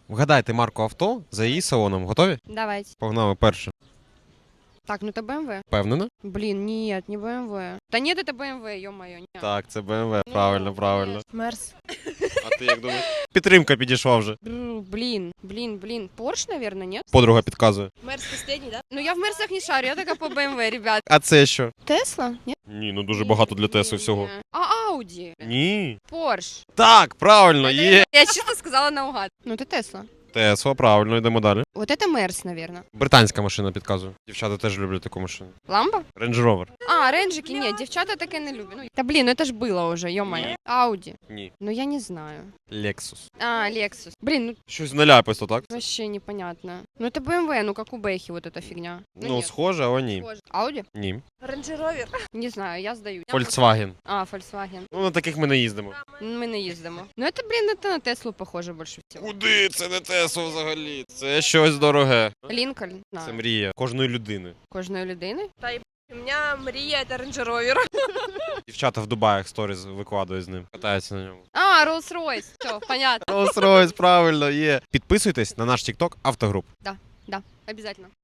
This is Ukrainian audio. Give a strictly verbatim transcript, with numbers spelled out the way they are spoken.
Вгадайте марку авто за її салоном. Готові? Давайте. Погнали перше. Так, ну это бэ эм вэ. Впевнена? Блин, нет, не бэ эм вэ. Да нет, это бэ эм вэ, ё-моё. нет. Так, це Б М В. Правильно, правильно. Мерс. А ти як думаєш? Підтримка підійшла вже. Бррр, Блин, блин, блин. Порш, наверное, нет? Подруга підказує. Мерс последний, да? Ну я в Мерсах не шарю, я така по бэ эм вэ, ребят. А це що? Тесла? Нет? Ні, ну дуже багато для Тесли всього. А Ауди? Ні. Порш. Так, правильно, є. Я чисто сказала наугад. Ну это Тесла. Тесла, правильно, йдемо далі. Вот это Мерс, наверное. Британська машина підказує. Дівчата теж люблять таку машину. Ламба? Range Rover. А, ренджики, нет, девчата таке не люблять. Ну, да блин, ну это ж было уже, ё-моё. Ауди. Ні. Ну я не знаю. Lexus. А, Лексус. Блин, ну Щось наляписто, так? вообще непонятно. Ну это бэ эм вэ, ну как у Бэхи вот эта фигня. Ну, нет. схоже, але ні. Похоже. Ауди? Ні. Range Rover. Не знаю, я здаю. Volkswagen. А, Volkswagen. Ну, на таких ми не їздимо. Ми не їздимо. Ну это, блин, это на Теслу похоже больше всего. Куди? Це не Тесла взагалі. Це щось дороге. Лінкольн. Це Знаю. мрія кожної людини. Кожної людини. У меня Мрия, это Range Rover. Дівчата в Дубаях сторіс викладають з ним. Катаються на ньому. А, Rolls-Royce. Все, понятно. Rolls-Royce, правильно, є. Підписуйтесь на наш TikTok Автогруп. Да, обязательно.